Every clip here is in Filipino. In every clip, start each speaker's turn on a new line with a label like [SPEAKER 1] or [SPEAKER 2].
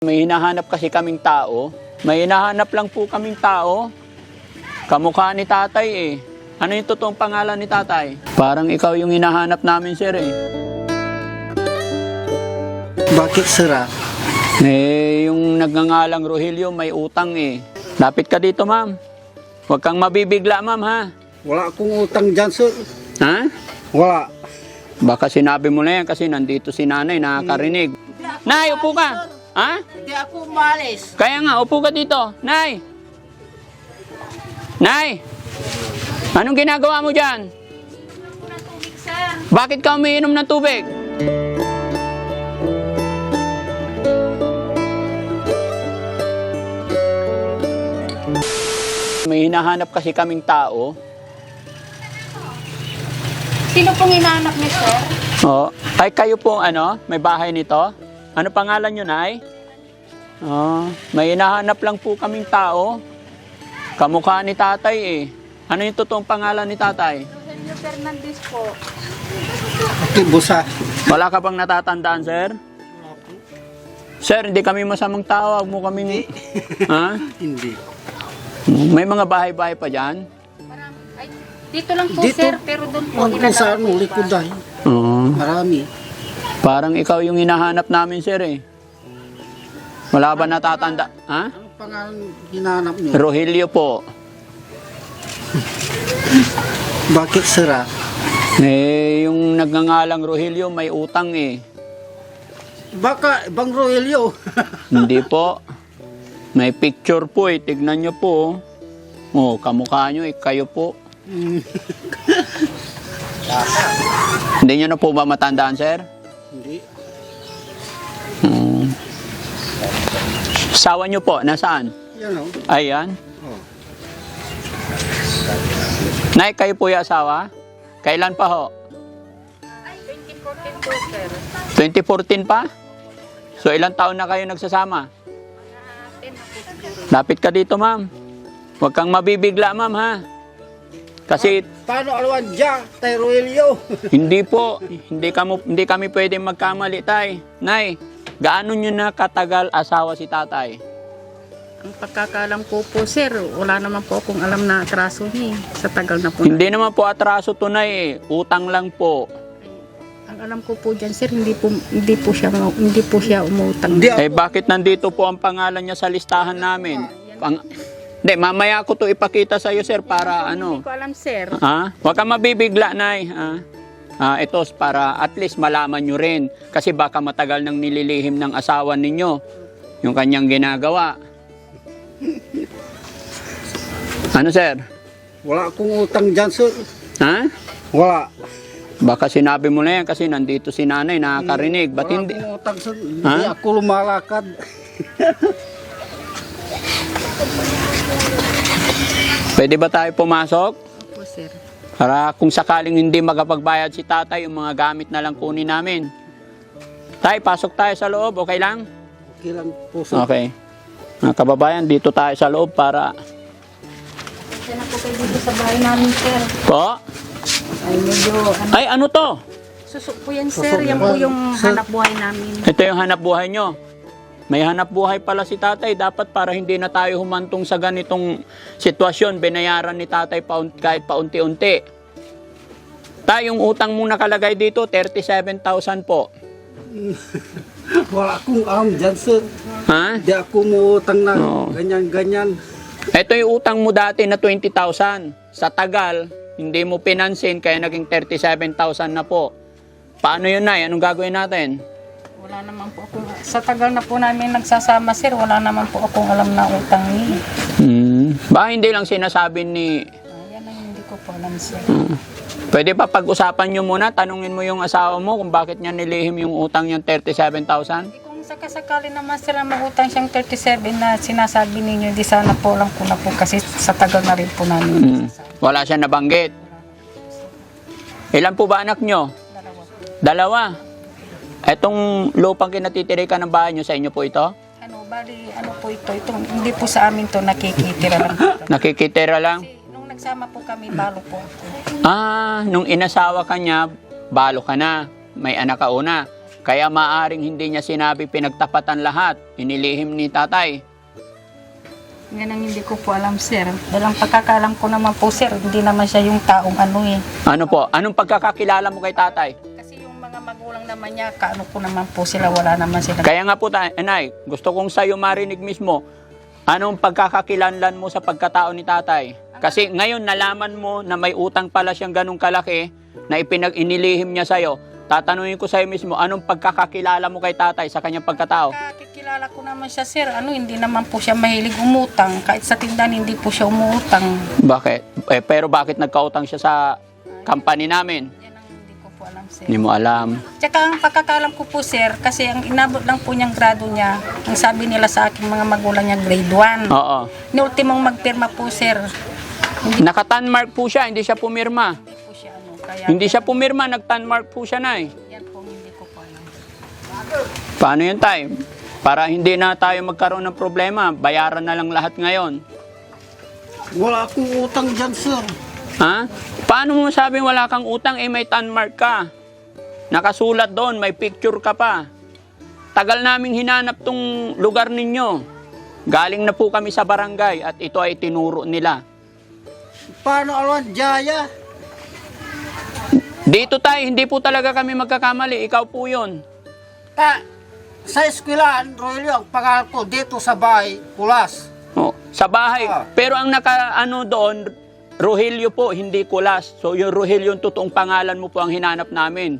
[SPEAKER 1] May hinahanap kasi kaming tao. May hinahanap lang po kaming tao. Kamukha ni tatay eh. Ano yung totoong pangalan ni tatay? Parang ikaw yung hinahanap namin, sir eh.
[SPEAKER 2] Bakit sira?
[SPEAKER 1] Eh, yung nagngangalang Rogelio may utang eh. Lapit ka dito, ma'am. Huwag kang mabibigla, ma'am, ha?
[SPEAKER 2] Wala akong utang dyan, sir.
[SPEAKER 1] Ha?
[SPEAKER 2] Wala.
[SPEAKER 1] Baka sinabi mo na yan kasi nandito si nanay, nakakarinig. Nay, upo ka. Ha?
[SPEAKER 3] Hindi ako umalis.
[SPEAKER 1] Kaya nga, upo ka dito. Nay! Nay! Anong ginagawa mo dyan? Bakit ka umiinom ng tubig? May hinahanap kasi kaming tao.
[SPEAKER 3] Sino pong hinahanap niyo, sir?
[SPEAKER 1] Oh, ay kayo po may bahay nito? Ano pangalan nyo, Nay? Oh, may hinahanap lang po kaming tao. Kamukha ni tatay eh. Ano yung totoong pangalan ni tatay?
[SPEAKER 3] Rogelio Fernandez po.
[SPEAKER 2] Okay, busa.
[SPEAKER 1] Wala ka bang natatandaan, sir? Sir, hindi kami masamang tao. Huwag mo kaming... Ha?
[SPEAKER 2] Hindi.
[SPEAKER 1] May mga bahay-bahay pa dyan?
[SPEAKER 3] Marami. Ay, dito lang po,
[SPEAKER 2] Dito?
[SPEAKER 3] sir, pero doon po.
[SPEAKER 2] Kung saan mo likod dahil.
[SPEAKER 1] Oo.
[SPEAKER 2] Marami.
[SPEAKER 1] Parang ikaw yung hinahanap namin, sir eh. Wala ba natatanda? Ha?
[SPEAKER 2] Anong pangalan hinahanap nyo?
[SPEAKER 1] Rogelio po.
[SPEAKER 2] Bakit sira?
[SPEAKER 1] Eh, yung nagngangalang Rogelio may utang eh.
[SPEAKER 2] Baka ibang Rogelio.
[SPEAKER 1] Hindi po. May picture po eh. Tignan nyo po. Oh, kamukha nyo eh. Kayo po. Hindi nyo na po ba matandaan, sir?
[SPEAKER 2] Hindi.
[SPEAKER 1] Sawa nyo po, nasaan?
[SPEAKER 2] Yan o.
[SPEAKER 1] Ayan.
[SPEAKER 2] Oh.
[SPEAKER 1] Nay, kayo po yung asawa? Kailan pa ho?
[SPEAKER 3] Ay, 2014 po, sir.
[SPEAKER 1] 2014 pa? So, ilang taon na kayo nagsasama?
[SPEAKER 3] 10 na po siguro.
[SPEAKER 1] Lapit ka dito, ma'am. Huwag kang mabibigla, ma'am, ha? Kasi
[SPEAKER 2] Paano alawan dyan? Tay Rogelio.
[SPEAKER 1] hindi po, hindi kami pwedeng magkamali, tay. Nay, gaano nyo na katagal asawa si tatay?
[SPEAKER 3] Ang pagkakalam ko po, sir, wala naman po akong alam na atraso niya. Sa tagal na po.
[SPEAKER 1] Hindi naman po atraso tunay eh. Utang lang po.
[SPEAKER 3] Ang alam ko po dyan, sir, hindi po siya umutang.
[SPEAKER 2] Hindi
[SPEAKER 1] Eh bakit nandito po ang pangalan niya sa listahan namin? Hindi, mamaya ko to ipakita sa iyo, sir, para
[SPEAKER 3] Hindi ko alam, sir.
[SPEAKER 1] Ha? Huwag kang mabibigla, nay. Ito, para at least malaman nyo rin. Kasi baka matagal nang nililihim ng asawa ninyo yung kanyang ginagawa. Ano, sir?
[SPEAKER 2] Wala akong utang dyan, sir.
[SPEAKER 1] Ha?
[SPEAKER 2] Wala.
[SPEAKER 1] Baka sinabi mo na yan kasi nandito si nanay, nakakarinig. Ba't
[SPEAKER 2] Wala
[SPEAKER 1] hindi?
[SPEAKER 2] akong utang, sir. Hindi
[SPEAKER 1] Ha?
[SPEAKER 2] ako lumalakad.
[SPEAKER 1] Pwede ba tayo pumasok?
[SPEAKER 3] Opo, sir.
[SPEAKER 1] Para kung sakaling hindi magapagbayad si tatay, yung mga gamit na lang kunin namin. Tay, pasok tayo sa loob. Okay lang?
[SPEAKER 2] Okay lang po, sir.
[SPEAKER 1] Okay. Mga kababayan, dito tayo sa loob para...
[SPEAKER 3] Kasi na po kayo dito sa bahay namin, sir.
[SPEAKER 1] Po?
[SPEAKER 3] Ay, medyo,
[SPEAKER 1] Ay, ano to?
[SPEAKER 3] susok po yan, sir. Yan po yung
[SPEAKER 2] Sir.
[SPEAKER 3] hanap buhay namin.
[SPEAKER 1] Ito yung hanap buhay nyo. May hanap buhay pala si tatay. Dapat para hindi na tayo humantong sa ganitong sitwasyon, binayaran ni tatay kahit paunti-unti. Yung utang mong nakalagay dito, 37,000 po.
[SPEAKER 2] Wala akong alam dyan, sir.
[SPEAKER 1] Ha?
[SPEAKER 2] Hindi ako umutang na
[SPEAKER 1] Oo.
[SPEAKER 2] ganyan-ganyan.
[SPEAKER 1] Ito yung utang mo dati na 20,000. Sa tagal, hindi mo pinansin, kaya naging 37,000 na po. Paano yun, Nay? Anong gagawin natin?
[SPEAKER 3] Wala naman po akong, sa tagal na po namin nagsasama, sir, wala naman po akong alam na utang niya.
[SPEAKER 1] Baka hindi lang sinasabi ni...
[SPEAKER 3] Yan ang hindi ko po alam, sir.
[SPEAKER 1] Pwede pa pag-usapan nyo muna, tanungin mo yung asawa mo kung bakit niya nilihim yung utang niyang 37,000?
[SPEAKER 3] Kung sakasakali naman sila mag-utang siyang 37 na sinasabi ninyo, di sana po lang ko na po kasi sa tagal na rin po namin.
[SPEAKER 1] Wala siya nabanggit. Ilan po ba anak nyo?
[SPEAKER 3] Dalawa.
[SPEAKER 1] 2. Etong lupang kinatitirikan ng bahay nyo, sa inyo po ito?
[SPEAKER 3] Bali, ano po ito? Hindi po sa amin to nakikitira lang po.
[SPEAKER 1] Nakikitira lang?
[SPEAKER 3] Kasi nung nagsama po kami, balo po ako.
[SPEAKER 1] Nung inasawa ka niya, balo ka na. May anak ka una. Kaya maaring hindi niya sinabi pinagtapatan lahat. Inilihim ni tatay.
[SPEAKER 3] Yan ang hindi ko po alam, sir. Dahil ang pagkakalam ko naman po, sir, hindi naman siya yung taong ano eh.
[SPEAKER 1] Ano po? Anong pagkakakilala mo kay tatay?
[SPEAKER 3] Kasi yung mga magulang naman niya, kaano ko naman po sila, wala naman sila.
[SPEAKER 1] Kaya nga po, Nay, gusto kong sa'yo marinig mismo, anong pagkakakilanlan mo sa pagkatao ni tatay? Kasi ngayon nalaman mo na may utang pala siyang ganong kalaki na inilihim niya sa'yo. Tatanungin ko sa'yo mismo, anong pagkakakilala mo kay tatay sa kanyang pagkatao?
[SPEAKER 3] Kakikilala ko naman siya, sir. Hindi naman po siya mahilig umutang. Kahit sa tindahan, hindi po siya umutang.
[SPEAKER 1] Bakit? Pero bakit nagkautang siya sa company namin?
[SPEAKER 3] Yan ang hindi ko po alam, sir.
[SPEAKER 1] Hindi mo alam.
[SPEAKER 3] Tsaka ang pagkakalam ko po, sir, kasi ang inabot lang po niyang grado niya, ang sabi nila sa aking mga magulang niya, grade 1.
[SPEAKER 1] Oo.
[SPEAKER 3] Ni ultimong magpirma po, sir.
[SPEAKER 1] Naka-tanmark po siya, hindi siya pumirma.
[SPEAKER 3] Hindi po siya ano. Kaya,
[SPEAKER 1] Hindi siya pumirma, nag-tanmark po siya, Nay.
[SPEAKER 3] yan po, hindi ko po alam.
[SPEAKER 1] Paano yun, tay? Para hindi na tayo magkaroon ng problema, bayaran na lang lahat ngayon.
[SPEAKER 2] Wala akong utang dyan, sir.
[SPEAKER 1] Ha? Paano mo sabing wala kang utang, may tanmark ka? Nakasulat doon, may picture ka pa. Tagal naming hinanap tong lugar ninyo. Galing na po kami sa barangay at ito ay tinuro nila.
[SPEAKER 2] Paano alwan, Jaya?
[SPEAKER 1] Dito tayo, hindi po talaga kami magkakamali. Ikaw po yun.
[SPEAKER 2] Sa eskwelahan, Rogelio, ang pangalan ko dito sa bahay, Kulas.
[SPEAKER 1] Oh, sa bahay.
[SPEAKER 2] Ah.
[SPEAKER 1] Pero ang naka-ano doon, Rogelio po, hindi Kulas. So yung Rogelio, yung totoong pangalan mo po ang hinanap namin.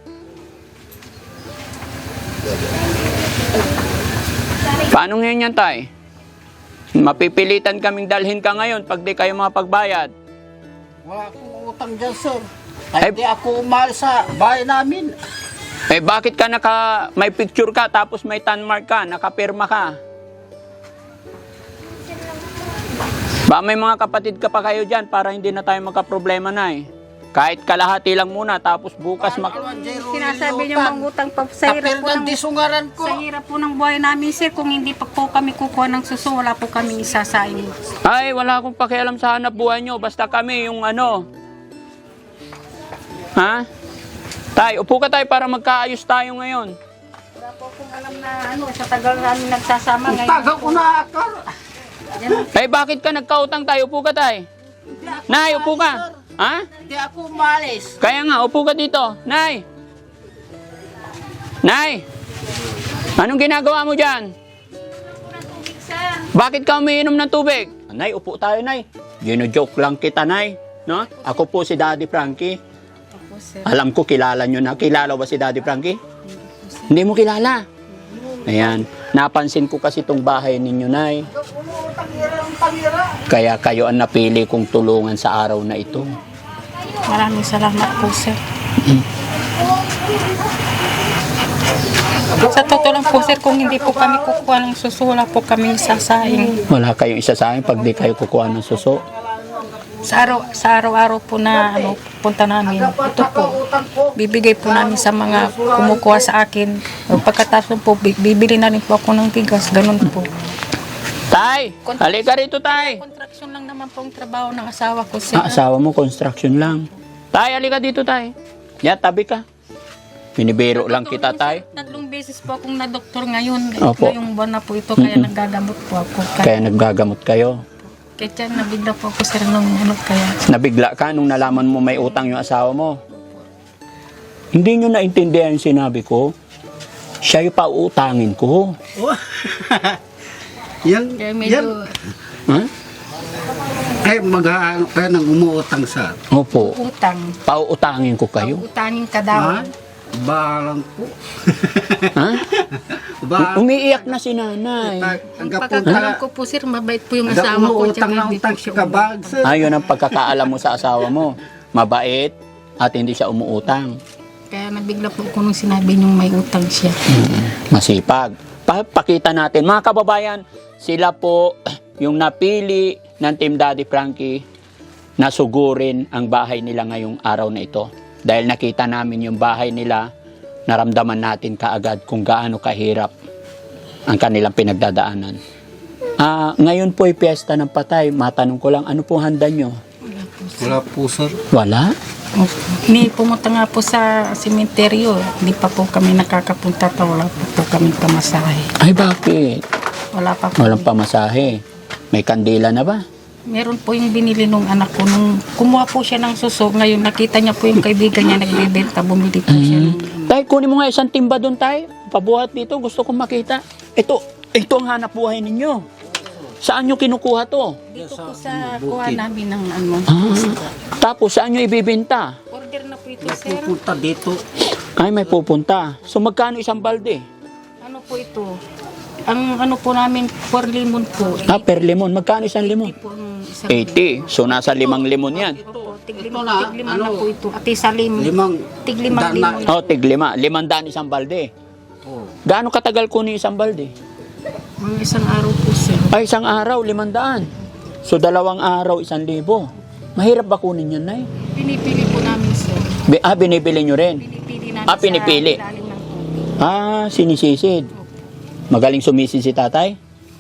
[SPEAKER 1] Paano ngayon yan, tay? Mapipilitan kaming dalhin ka ngayon pag di kayo makapagbayad.
[SPEAKER 2] Wala akong utang dyan, sir.
[SPEAKER 1] Ay-
[SPEAKER 2] Hindi ako umalis sa bahay namin.
[SPEAKER 1] Bakit ka may picture ka tapos may tanmark ka, nakapirma ka? Ba may mga kapatid ka pa kayo dyan para hindi na tayo magka-problema na eh. Kahit kalahati lang muna tapos bukas
[SPEAKER 2] Alwan, J. Rogelio,
[SPEAKER 3] Sinasabi niyo mangutang pa sa hirap po
[SPEAKER 2] Kapirdan
[SPEAKER 3] ng...
[SPEAKER 2] disungaran ko.
[SPEAKER 3] Sa hirap po ng buhay namin, sir, kung hindi pa po kami kukuha ng suso, wala po kami isasaing.
[SPEAKER 1] Ay, wala akong pakialam sa hanap buhay nyo. Basta kami yung ano. Ha? Tay, upo ka tayo para magkaayos tayo ngayon.
[SPEAKER 3] Wala po akong alam na ano, sa tagal namin nagsasama ngayon.
[SPEAKER 2] Taga ko na ako.
[SPEAKER 1] Bakit ka nagkautang tayo? Upo ka tayo. Nay, upo ka. Ha?
[SPEAKER 2] Hindi ako umalis.
[SPEAKER 1] Kaya nga, upo ka dito. Nay! Nay! Anong ginagawa mo dyan? Bakit ka umiinom ng tubig? Nay, upo tayo, Nay. Gino-joke lang kita, Nay. No? Ako po si Daddy Frankie.
[SPEAKER 3] Opo, sir.
[SPEAKER 1] Alam ko, kilala nyo na. Kilala ba si Daddy Frankie? Hindi mo kilala. Ayan. Napansin ko kasi itong bahay ninyo, Nay. Kaya kayo ang napili kong tulungan sa araw na ito.
[SPEAKER 3] Maraming salamat po, sir. Sa totoo lang po, sir, kung hindi po kami kukuha ng suso, wala po kami isasaing.
[SPEAKER 1] Wala kayong isa sa akin pag di kayo kukuha ng suso.
[SPEAKER 3] Sa araw-araw po na ano, punta namin, ito po, bibigay po namin sa mga kumukuha sa akin. Pagkatapos po, bibili na rin po ako ng bigas, ganun po.
[SPEAKER 1] Tay! Halika rito, Tay!
[SPEAKER 3] Contraction lang naman po ang trabaho ng asawa ko, sir.
[SPEAKER 1] Asawa mo, construction lang. Tay, halika dito, Tay. Yan, tabi ka. Binibiro lang kita, Tay.
[SPEAKER 3] Tatlong beses po akong na-doktor ngayon.
[SPEAKER 1] Opo.
[SPEAKER 3] Ngayong buwan na po ito, kaya nagagamot po ako.
[SPEAKER 1] Kaya naggagamot kayo.
[SPEAKER 3] Kaya tiyan, nabigla po ako, sir, nung ano kaya.
[SPEAKER 1] Nabigla ka nung nalaman mo may utang yung asawa mo. Hindi nyo naintindihan yung sinabi ko. Siya yung pauutangin ko.
[SPEAKER 2] Yan,
[SPEAKER 3] Kaya
[SPEAKER 2] yan.
[SPEAKER 3] medyo,
[SPEAKER 1] Ha?
[SPEAKER 2] Ay, mag-aano kayo ng umuutang sa...
[SPEAKER 1] Opo.
[SPEAKER 3] utang.
[SPEAKER 1] Pauutangin ko kayo.
[SPEAKER 3] Utangin ka
[SPEAKER 2] Ha?
[SPEAKER 3] daw.
[SPEAKER 2] Balang po.
[SPEAKER 1] Ha?
[SPEAKER 2] Ba,
[SPEAKER 1] Umiiyak na si nanay.
[SPEAKER 3] Ang
[SPEAKER 2] hanggang
[SPEAKER 3] pagkakalam ko po, sir, mabait po yung
[SPEAKER 2] hanggang
[SPEAKER 3] asawa ko.
[SPEAKER 2] umuutang
[SPEAKER 3] Tsaka
[SPEAKER 2] ng
[SPEAKER 3] hindi po
[SPEAKER 2] utang
[SPEAKER 3] siya
[SPEAKER 2] ka bag, sir.
[SPEAKER 1] Ayun ang pagkakaalam mo sa asawa mo. Mabait at hindi siya umuutang.
[SPEAKER 3] Kaya nabigla po ako nung sinabi niyong may utang siya.
[SPEAKER 1] Masipag. Pakita natin. Mga kababayan, sila po yung napili ng Team Daddy Frankie na sugurin ang bahay nila ngayong araw na ito. Dahil nakita namin yung bahay nila, naramdaman natin kaagad kung gaano kahirap ang kanilang pinagdadaanan. Ngayon po ay piyesta ng patay. Matanong ko lang, ano po handa nyo?
[SPEAKER 3] Wala po,
[SPEAKER 2] Wala po, sir.
[SPEAKER 1] Wala?
[SPEAKER 3] Pumunta nga po sa sementeryo. Hindi pa po kami nakakapunta pa. Wala pa po kami pamasahe.
[SPEAKER 1] Ay, bakit?
[SPEAKER 3] Wala pa po.
[SPEAKER 1] Walang pamasahe. May kandila na ba?
[SPEAKER 3] Meron po yung binili nung anak ko. Nung kumuha po siya ng suso, ngayon nakita niya po yung kaibigan niya nagbebenta. Bumili po siya ng...
[SPEAKER 1] Tay, kunin mo nga isang timba doon, tay. Pabuhat dito. Gusto kong makita. Ito ang hanap buhay ninyo. Saan nyo kinukuha to?
[SPEAKER 3] Dito po sa kuha namin ng ano.
[SPEAKER 1] Tapos saan nyo ibibenta?
[SPEAKER 3] Order na po ito, sir.
[SPEAKER 2] Pupunta dito.
[SPEAKER 1] Ay, may pupunta. So, magkano isang balde?
[SPEAKER 3] Ano po ito? Ang ano po namin, 4 limon po.
[SPEAKER 1] Per limon. Magkano isang limon?
[SPEAKER 3] Ito po ang isang
[SPEAKER 1] 80. So, nasa 5 limon yan.
[SPEAKER 3] Opo,
[SPEAKER 2] Ito
[SPEAKER 3] tiglimang
[SPEAKER 2] na,
[SPEAKER 3] na po ito. At isa
[SPEAKER 2] Limang
[SPEAKER 3] tiglimang
[SPEAKER 2] dana.
[SPEAKER 3] limon.
[SPEAKER 1] Oh, tig 5. 500 isang balde.
[SPEAKER 2] Oh.
[SPEAKER 1] Gaano katagal kunin isang balde?
[SPEAKER 3] Mga isang araw po, sir.
[SPEAKER 1] Ay, isang araw, 500. So, 2 araw, 1,000. Mahirap ba kunin yan, Nay?
[SPEAKER 3] Pinipili po namin, sir.
[SPEAKER 1] Binibili nyo rin?
[SPEAKER 3] Pinipili namin
[SPEAKER 1] Pinipili.
[SPEAKER 3] sa ilalim ng tubig.
[SPEAKER 1] Sinisisid. Magaling sumisid si tatay?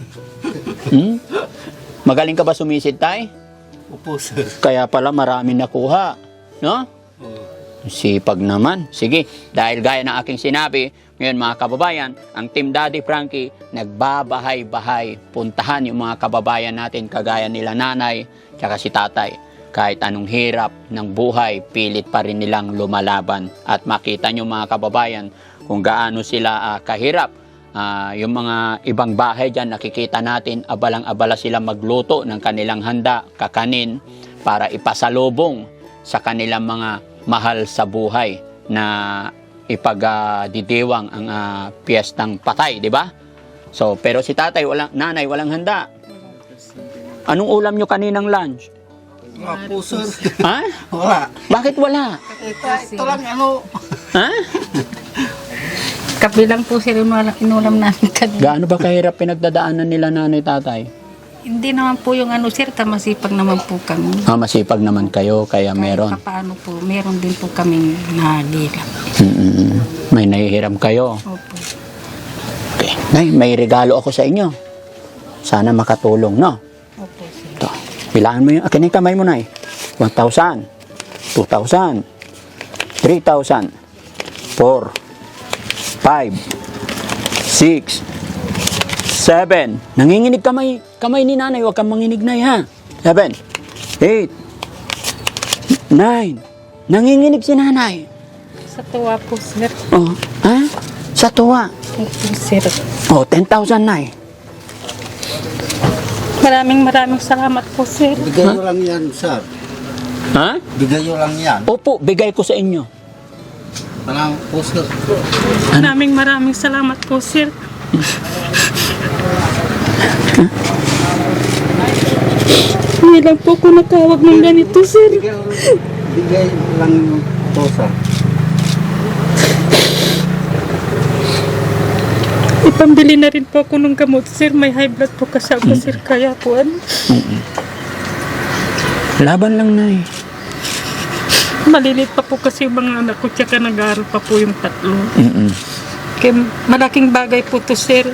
[SPEAKER 1] Magaling ka ba sumisid, tay?
[SPEAKER 2] Opo, sir.
[SPEAKER 1] Kaya pala marami nakuha. No? Sipag naman. Sige, dahil gaya ng aking sinabi, ngayon mga kababayan, ang Team Daddy Frankie nagbabahay-bahay. Puntahan yung mga kababayan natin kagaya nila nanay, tsaka si tatay. Kahit anong hirap ng buhay, pilit pa rin nilang lumalaban. At makita nyo mga kababayan kung gaano sila kahirap. Yung mga ibang bahay dyan, nakikita natin, abalang-abala sila magluto ng kanilang handa, kakanin, para ipasalubong sa kanilang mga mahal sa buhay na ipagdidiwang ang piyestang patay, di ba? So, pero si tatay, nanay, walang handa. Anong ulam nyo kaninang lunch?
[SPEAKER 2] Wala po, sir.
[SPEAKER 1] Ha?
[SPEAKER 2] Wala.
[SPEAKER 1] Bakit wala?
[SPEAKER 2] Ito lang, ano.
[SPEAKER 1] Ha?
[SPEAKER 3] Kabilang po, sir, inulam namin kanina.
[SPEAKER 1] Gaano ba kahirap pinagdadaanan nila nanay tatay?
[SPEAKER 3] Hindi naman po yung ano, sir, masipag naman po kami.
[SPEAKER 1] Masipag naman kayo, kaya meron.
[SPEAKER 3] Paano po, meron din po kaming nahihirap.
[SPEAKER 1] May nahihiram kayo.
[SPEAKER 3] Opo.
[SPEAKER 1] Okay. Nay, may regalo ako sa inyo. Sana makatulong, no?
[SPEAKER 3] Opo, sir.
[SPEAKER 1] Ito. Bilangan mo yung, akin yung kamay mo, Nay. 1,000, 2,000, 3,000, 4, 5, 6, 7. Nanginginig kamay ni nanay. Huwag kang manginig, Nay, ha? 7, 8, 9. Nanginginig si nanay.
[SPEAKER 3] Sa tuwa po, sir.
[SPEAKER 1] Oh, ha? Sa tuwa.
[SPEAKER 3] Opo, sir.
[SPEAKER 1] Oh, 10,000, Nay.
[SPEAKER 3] Maraming salamat po, sir.
[SPEAKER 2] Bigay nyo lang yan, sir.
[SPEAKER 1] Ha?
[SPEAKER 2] Bigay nyo lang yan.
[SPEAKER 1] Opo, bigay ko sa inyo.
[SPEAKER 2] Parang po, sir.
[SPEAKER 3] Maraming salamat po, sir. Hindi lang po ko natawag ng ganito, sir.
[SPEAKER 2] Bigay lang to, sir.
[SPEAKER 3] Ipambili na rin po ako ng gamot, sir. May high blood po kasi ako, sir. Kaya po,
[SPEAKER 1] Laban lang, Nay.
[SPEAKER 3] malilit pa po kasi yung mga anak ko. Tsaka nag-aaral pa po yung tatlo.
[SPEAKER 1] Mm-mm.
[SPEAKER 3] Kaya malaking bagay po to, sir.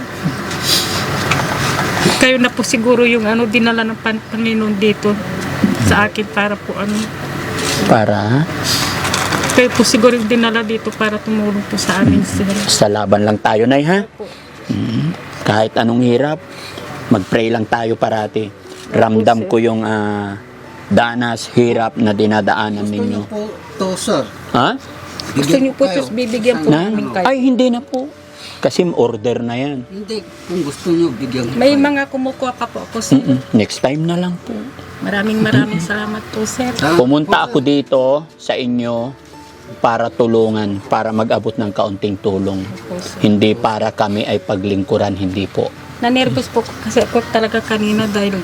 [SPEAKER 3] Kayo na po siguro yung dinala ng Panginoon dito sa akin para po
[SPEAKER 1] Para
[SPEAKER 3] kayo po siguro yung dinala dito para tumulong po sa amin, sir.
[SPEAKER 1] sa laban lang tayo, Nay, ha? Kahit anong hirap, mag-pray lang tayo parati. Ramdam ko yung danas, hirap na dinadaanan
[SPEAKER 2] Gusto
[SPEAKER 1] ninyo.
[SPEAKER 2] nyo po to, sir.
[SPEAKER 1] Ha?
[SPEAKER 3] Gusto niyo po
[SPEAKER 2] kayo.
[SPEAKER 3] ito, bibigyan po
[SPEAKER 1] Na?
[SPEAKER 3] namin kayo.
[SPEAKER 1] Ay, hindi na po. Kasi order na yan.
[SPEAKER 2] Hindi. Kung gusto nyo, bigyan ko
[SPEAKER 3] May
[SPEAKER 2] kayo.
[SPEAKER 3] mga kumukuha pa po ako, sir.
[SPEAKER 1] Next time na lang po.
[SPEAKER 3] Maraming salamat po, sir.
[SPEAKER 2] Salamat
[SPEAKER 1] Pumunta
[SPEAKER 2] po,
[SPEAKER 1] ako dito sa inyo para tulungan, para mag-abot ng kaunting tulong.
[SPEAKER 3] Po, sir.
[SPEAKER 1] Hindi para kami ay paglingkuran, hindi po.
[SPEAKER 3] Na-nervous po kasi ako talaga kanina dahil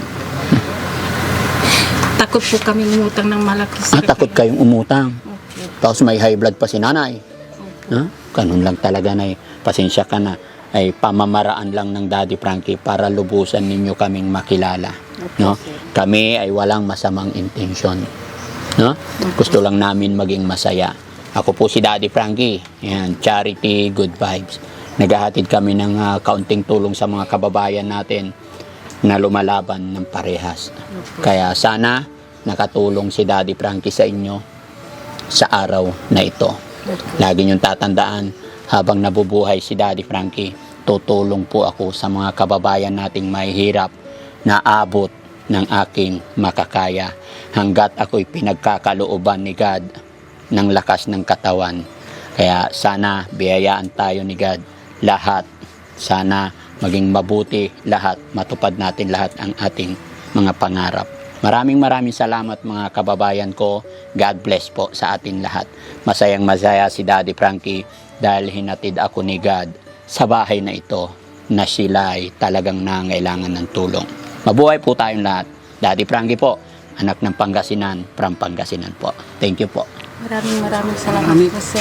[SPEAKER 3] takot po kami umutang ng malaki, sir.
[SPEAKER 1] Takot kayong umutang.
[SPEAKER 3] Okay.
[SPEAKER 1] Tapos may high blood pa si nanay. Ha? Ganun lang talaga, Nay. Pasensya ka na. Ay pamamaraan lang ng Daddy Frankie para lubusan ninyo kaming makilala. No? Kami ay walang masamang intensyon. No? Gusto lang namin maging masaya. Ako po si Daddy Frankie. Yan, charity, good vibes. Naghahatid kami ng kaunting tulong sa mga kababayan natin na lumalaban ng parehas. Kaya sana nakatulong si Daddy Frankie sa inyo sa araw na ito. Lagi niyong tatandaan, habang nabubuhay si Daddy Frankie, tutulong po ako sa mga kababayan nating mahihirap na abot ng aking makakaya hanggat ako'y pinagkakalooban ni God ng lakas ng katawan. Kaya sana biyayaan tayo ni God lahat. Sana maging mabuti lahat, matupad natin lahat ang ating mga pangarap. Maraming salamat mga kababayan ko. God bless po sa atin lahat. Masayang masaya si Daddy Frankie dahil hinatid ako ni God sa bahay na ito na sila ay talagang nangailangan ng tulong. Mabuhay po tayong lahat. Daddy Frankie po, anak ng Pangasinan, from Pangasinan po. Thank you po.
[SPEAKER 3] Maraming salamat po, sir.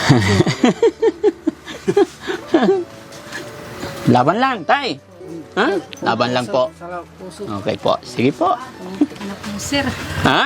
[SPEAKER 1] Laban lang, tay. Ha? Laban lang po. Okay po. Sige po.
[SPEAKER 3] Anak mo, sir.
[SPEAKER 1] Ha?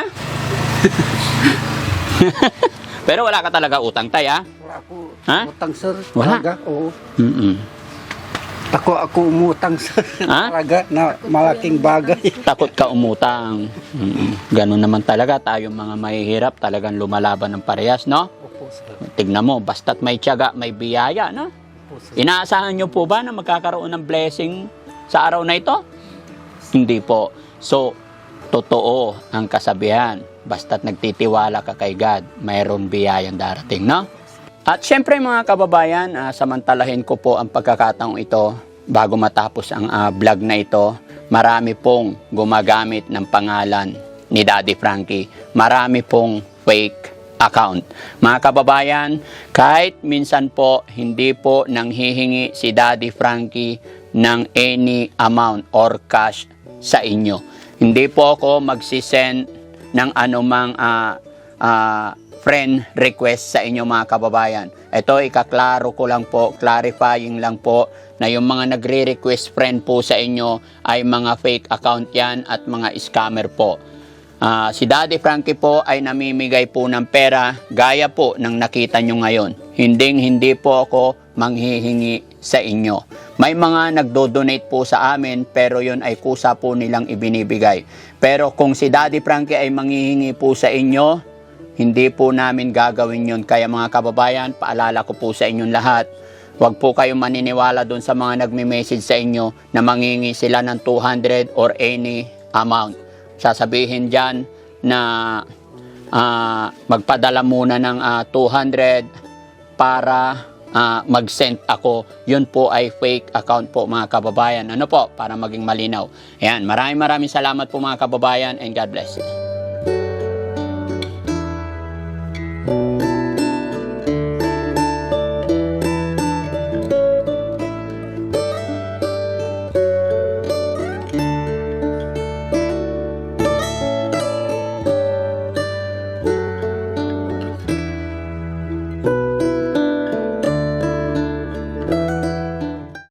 [SPEAKER 1] Pero wala ka talaga utang, tay, ha?
[SPEAKER 2] Wala po.
[SPEAKER 1] Ha?
[SPEAKER 2] Utang, sir.
[SPEAKER 1] Wala?
[SPEAKER 2] Talaga, oo.
[SPEAKER 1] Mm-mm.
[SPEAKER 2] Ako umutang, sir.
[SPEAKER 1] Ha?
[SPEAKER 2] Talaga, na malaking bagay.
[SPEAKER 1] Takot ka umutang. Ganun naman talaga tayong mga mahihirap, talagang lumalaban ng parehas, no?
[SPEAKER 2] Opo, sir.
[SPEAKER 1] Tignan mo, basta't may tiyaga, may biyaya, no?
[SPEAKER 2] Opo, sir.
[SPEAKER 1] Inaasahan nyo po ba na magkakaroon ng blessing sa araw na ito? Hindi po. So, totoo ang kasabihan. Basta't nagtitiwala ka kay God, mayroon biyayang darating, no? At syempre mga kababayan, samantalahin ko po ang pagkakataong ito bago matapos ang vlog na ito. Marami pong gumagamit ng pangalan ni Daddy Frankie. Marami pong fake account. Mga kababayan, kahit minsan po hindi po nanghihingi si Daddy Frankie ng any amount or cash sa inyo. Hindi po ako magsisend ng anumang friend request sa inyo mga kababayan. Ito ikaklaro ko lang po, clarifying lang po na yung mga nagre-request friend po sa inyo ay mga fake account yan at mga scammer po. Si Daddy Frankie po ay namimigay po ng pera gaya po ng nakita nyo ngayon. Hindi po ako manghihingi sa inyo. May mga nagdo-donate po sa amin pero yun ay kusa po nilang ibinibigay. Pero kung si Daddy Frankie ay manghihingi po sa inyo, hindi po namin gagawin yun. Kaya mga kababayan, paalala ko po sa inyong lahat, huwag po kayong maniniwala doon sa mga nagme-message sa inyo na mangingi sila ng 200 or any amount. Sasabihin dyan na magpadala muna ng 200 para mag-send ako. Yun po ay fake account po mga kababayan. Ano po? Para maging malinaw. Ayan, maraming salamat po mga kababayan and God bless you.